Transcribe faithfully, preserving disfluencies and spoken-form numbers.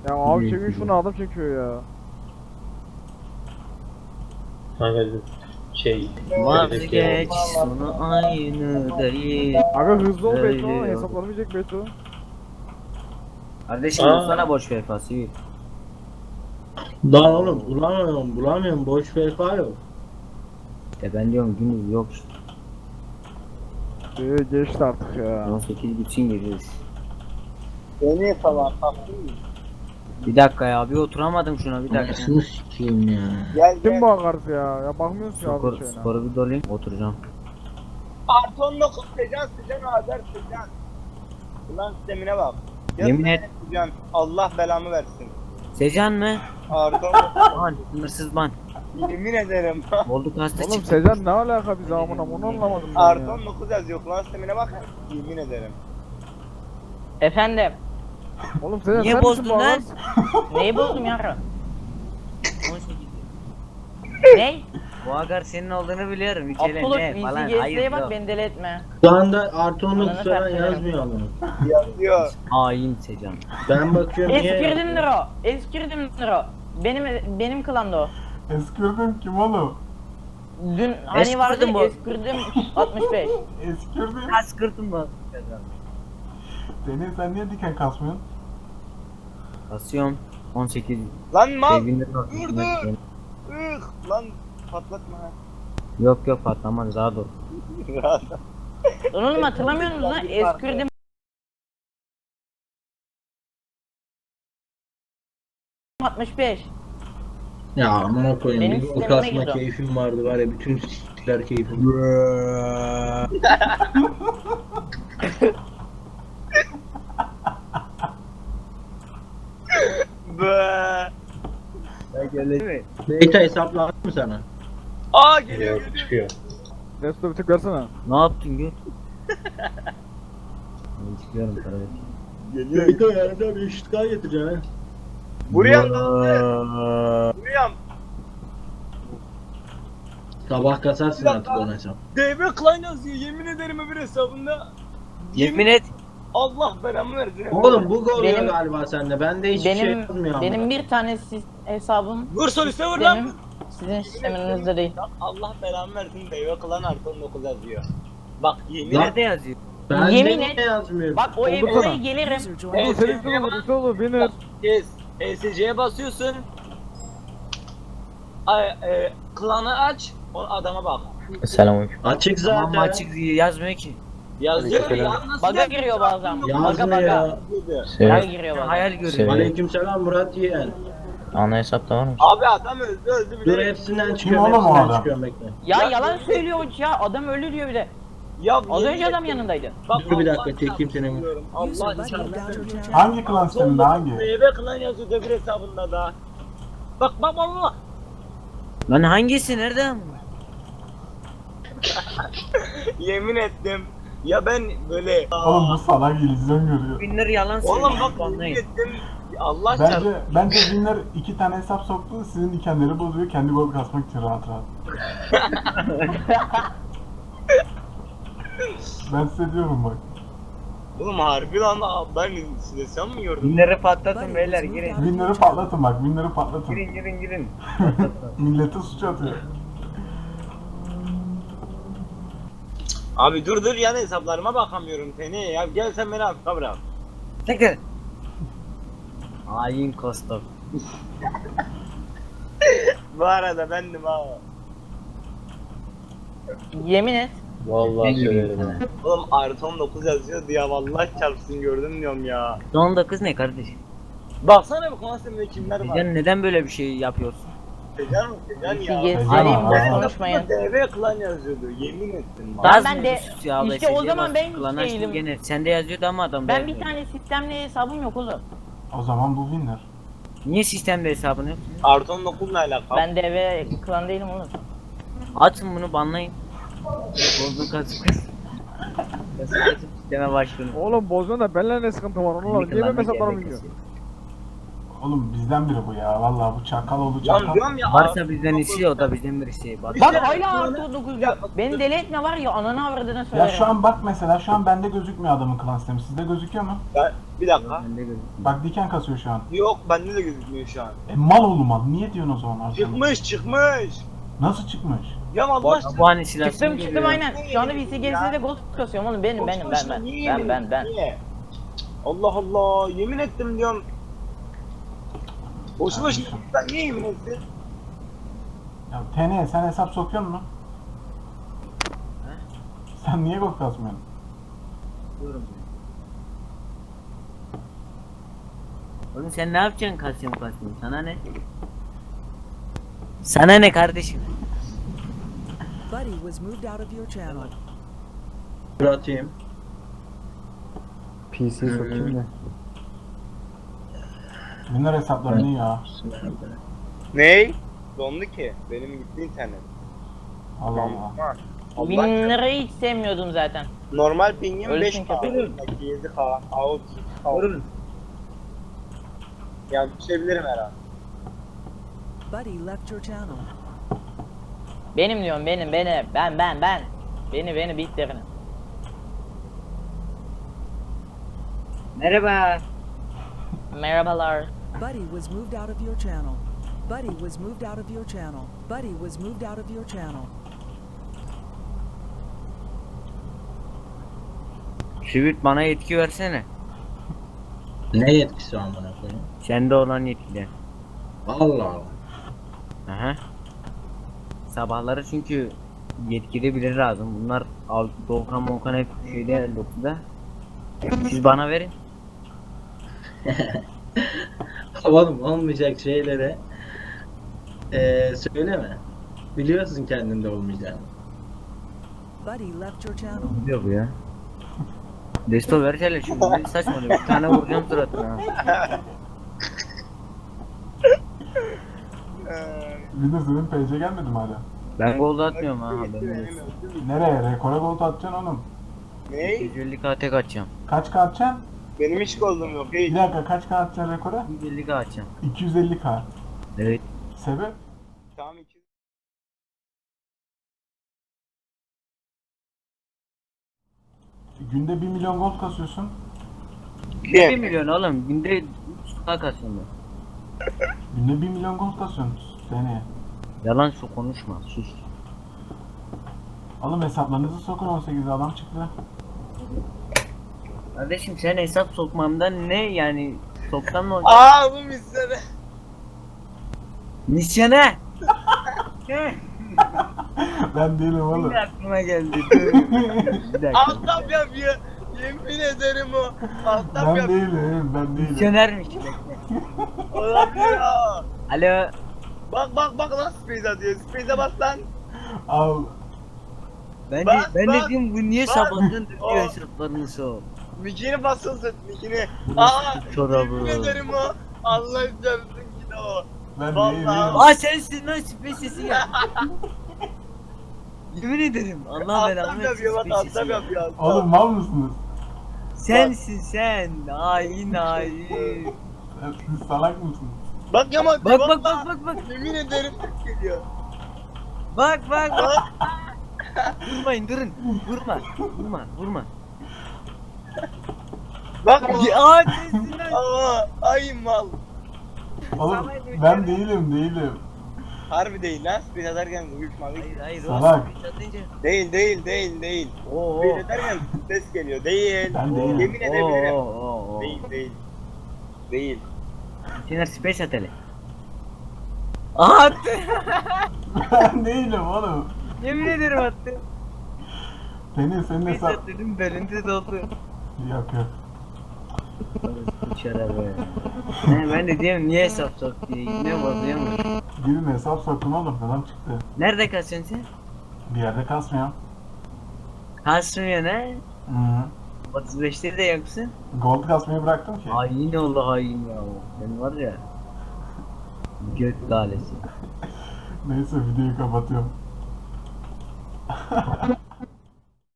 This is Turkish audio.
Ya abi çekin şunu, adam çekiyor ya. Kanka şey... Vazgeç sonu aynı değil. Aga hızlı ol Beto, Söylüyor. hesaplanamayacak Beto. Kardeşim Aa. bulsana boş vefası. Lan oğlum bulamıyorum bulamıyorum boş vefa yok. E ben diyorum günü yok işte. Ee, geçti artık ya. on sekiz gitsin gireriz. Beni falan taktın mı? Bir dakika ya bir oturamadım şuna bir dakika. Anasını sikeyim ya. Gel Kim gel. bu akartı ya? Ya bakmıyorsun ya Skor, abi şeyine. skoru bir dolayım oturacağım. Artı dokuz Secan Secan Azer Secan. Ulan sistemine bak. Yemin et. Secan Allah belamı versin. Secan mı? Artı Ban, sınırsız ban. yemin ederim. Oldu kasta Oğlum çıktı. Sezen ne alaka bize amına, onu anlamadım ben Artı ya. dokuz yazıyor. Ulan sistemine bak. Yemin ederim. Efendim, Oğlum Sezen Niye sen misin bozdun bu lan? adam? neyi bozdum yarın? on sekiz. Ney? Bu agar senin olduğunu biliyorum. Hiç öyle Apollo ne falan. V C G Hayır S'ye bak yok. beni deli etme. Şu anda artı on dokuz Ananı falan satayım. yazmıyor ama. Yazıyor. Hain Secan. Ben bakıyorum niye Eskirdimdir o. Eskirdimdir o. Benim benim klanda o. Eskirdim kim oğlum? Dün hani Eskirdim vardı bu. eskirdim altmış beş. Eskirdim. Kaç kırdım bu. Deniz sen niye diken kasmıyorsun? Basıyorum. on sekiz. Lan mal. Sevgili Dur dur. Ih lan patlatma. Yok yok patlamaz daha dur. Lan oğlum hatırlamıyor musunuz lan? Eskirdim altmış beş. Ya amına koyayım. Benim Bir gol sistemime kasma girdi o. keyfim vardı var ya bütün siktiler keyfim. Be. Beyta hesaplandı mı sana? Aa geliyor Yok geliyor. çıkıyor. Resto bir tık versene. Ne yaptın gül? Ben çıkıyorum kardeşim. Geliyor. Beyta yarın bir eşit kay getireceksin ha. Buraya Buraya. Sabah kasarsın Bir artık dakika. ona hesap. D B Klein yazıyor. Yemin ederim öbür hesabında. Yemin et. Allah belamı versin. Oğlum bu gol Benim- galiba sende. Bende hiçbir şey Benim yazmıyor ama. benim bir tane sis- hesabım Vur soliste vur lan. benim sizin sisteminizde değil. Allah belamı versin. D B Klein artı on dokuz yazıyor. Bak yemin Lan. Nerede yazıyor? Bende Yemin niye et. yazmıyor? Bak o ev Oldu sana. oraya gelirim. Oğlum senin üstüne vur, üstüne vur, winner. Yes. E S C'ye basıyorsun. Ay, e, klanı aç. O adama bak. Selamünaleyküm. Açık zaten. Ama açık yazmıyor ki. Yazıyor ya. Nasıl Baga yazıyor? giriyor bazen. Baga Yazmıyor baga. ya. Baga giriyor bazen. Hayal görüyorum. Aleykümselam Murat Yiğen. Ana hesapta var mı? Abi adam öldü öldü Dur bile. hepsinden çıkıyorum, oğlum o hepsinden adam? çıkıyorum bekle. Ya yalan söylüyor hoca ya. Adam ölü diyor bir de. Ya Az yemin önce adam ederim. yanındaydı. Bak, Dur bir Allah dakika, çekeyim seni. çarpsın. Allah çarpsın. Hangi klan sisteminde hangi? M B klan yazıyor öbür hesabında da. Bak bak Allah. Lan hangisi nerede? Yemin ettim. Ya ben böyle. Oğlum bu salak illüzyon görüyor. Binler yalan söylüyor. Oğlum bak yemin Anlayın. ettim. Allah çarpsın. Bence, bence Winner iki tane hesap soktu, sizin dikenleri bozuyor, kendi gol kasmak için rahat rahat. Ben size diyorum bak. Oğlum harbi lan ben size sen mi gördün? Binleri patlatın beyler girin. Winner'ı patlatın bak, Winner'ı patlatın. Girin girin girin. Millete suç atıyor. Abi dur dur yan hesaplarıma bakamıyorum seni. Ya gel sen beni hafif bırak. Tekrar. Hain Kostok. Bu arada bendim ha. Yemin et. Vallahi söylerim. ha. Oğlum artı on dokuz yazıyordu ya vallahi çarpsın gördüm diyorum ya. Son dokuz ne kardeşim? Baksana bu konserde kimler var. Secan neden böyle bir şey yapıyorsun? Secan mı? Secan ya. Gezdireyim boş Aa. konuşmayın. D B klan yazıyordu yemin ettim bak. Lan Gaz ben mı de- sus ya, işte o B S C zaman bas, ben klan hiç açtım değilim. Gene. Sende yazıyordu ama adam Ben yazmıyor. bir tane sistemli hesabım yok oğlum. O zaman bu Winner. Niye sistemde hesabını yok? Artı on dokuzla alakalı. Ben D V klan değilim oğlum. Atın bunu banlayın. Bozdun kasıp kasıp. Kasıp kasıp sisteme başvurun. Oğlum bozuyorsun da benimle ne sıkıntı var onunla? Niye benim hesaplarımı bilmiyor? Oğlum bizden biri bu ya. Vallahi bu çakal oldu Lan çakal. diyorum ya. Varsa bizden iyisi o da bizden birisi. Bak. Bak hala artı dokuz diyor. Beni deli etme var ya ananı avradına Ya söylerim. şu an bak mesela şu an bende gözükmüyor adamın klan sistemi. Sizde gözüküyor mu? Ben, bir dakika. Ben de gözüm. Bak diken kasıyor şu an. Yok bende de gözükmüyor şu an. E mal oğlum mal. Niye diyorsun o zaman Arsenal? Çıkmış çıkmış. Nasıl çıkmış? Ya Allah Bu, aşkına. bu hani silah. Çıktım çıktım aynen. Şu anda V C G'sinde de gold kasıyorum oğlum benim benim ben ben. Niye Ben yemin ben ben. Niye? Allah Allah yemin ettim diyorum. Boşu boşuna sen niye yemin ettin? Ya T N sen hesap sokuyor musun? Sen niye gol kasmıyorsun? Diyorum. Oğlum sen ne yapacaksın kalsiyum kalsiyum? Sana ne? Sana ne kardeşim? Buddy was moved out of your channel. Murat'ıyım. P C sokayım da. Winner hesapları ne ya? Ney? Dondu ki. Benim gitti internet. Allah Allah. Allah. Winner'ı hiç sevmiyordum zaten. Normal pingim Öyle beş çünkü K. yapıyorum. yedi K. Out. Out. Yani düşebilirim herhalde. Buddy left your channel. Benim diyorum benim benim ben ben ben. Beni beni bitlerini. Merhaba. Merhabalar. Buddy was moved out of your channel. Buddy was moved out of your channel. Buddy was moved out of your channel. Şivit bana yetki versene. Ne yetkisi var bana koyayım? Sende olan yetkiden. Allah Allah. Aha. Sabahları çünkü yetkili biri lazım. Bunlar Al- Doğukan Mokan hep şeyde dokuzda. Siz bana verin. Oğlum olmayacak şeylere eee söyleme. Biliyorsun kendinde olmayacağını. Buddy left your channel. Ne diyor bu ya? Desto ver hele şimdi. Ne saçmalıyor. Bir tane vuracağım suratına. Winner senin P C gelmedi mi hala? Ben gol atmıyorum ha. haberin olsun. Nereye? Rekora gol atacaksın oğlum. Ney? yüz elli K tek atacağım. Kaç K atacaksın? Benim hiç goldum yok. Bir Hiç. dakika kaç K atacaksın rekora? yüz elli K atacağım. iki yüz elli K. Evet. Sebep? Tamam iki. Günde bir milyon gol kasıyorsun. bir milyon oğlum. Günde üç K kasıyorum ben. Günde bir milyon gol kasıyorsun seneye. Yalan su konuşma. Sus. Oğlum hesaplarınızı sokun on sekize adam çıktı. Kardeşim sen hesap sokmamdan ne yani? Soktan mı olacak? Aa bu misyonu. Misyona! Ben değilim oğlum. Yine aklıma geldi. Dur. Bir dakika. Altap yapıyor. Yemin ederim o. Altap Ben yapıyor. değilim, ben değilim. Misyonermiş bekle. Olabilir ha. Alo. Bak bak bak lan space atıyor. Space'e bas lan. Al. Ben de, Bak, ben bak, de diyorum bu niye bak. sabahtan döküyor Oh. hesaplarını sok. Mikini basılsın mikini. Aa. Çorabı. Yemin ederim o. Allah çarpsın ki de o. Ben Vallahi. değilim. Aa sensin lan süper sesi ya. Yemin ederim Allah Altap belanı yapıyor bak versin süper sesi altap ya. yapıyor. altap. Oğlum mal mısınız? Sensin sen. Hain hain. Sen- Siz salak mısınız? Bak Yaman. Bak bak bak bak bak. Yemin ederim ses geliyor. Bak bak bak. Bak. Vurmayın durun. Vurma. Vurma. Vurma. Bak. Ya aa, sensin lan. Aa. Ay mal. Oğlum ben değilim, değilim. Harbi değil lan. Space atarken uyuşma. Hayır hayır. Salak. o satınca- Değil değil değil değil. Oo. Space atarken ses geliyor. Değil. Ben değilim. Yemin edebilirim. Oo, oo, oo. Değil değil. Değil. Sinir space at hele. Aha attı. Ben değilim oğlum. Yemin ederim attı. Senin senin Space hesap... at dedim belinde doldu. Yok yok. Şarabı. Ne ben de diyorum niye hesap sok diye. Ne bozuyor mu? Birine hesap soktum oğlum, adam çıktı. Nerede kasıyorsun sen? Bir yerde kasmıyor. Kasmıyor ne? Hı -hı. otuz beşte de yoksun. Gold kasmayı bıraktım ki. Hain oldu hain ya. Sen var ya. Gök galesi. Neyse videoyu kapatıyorum.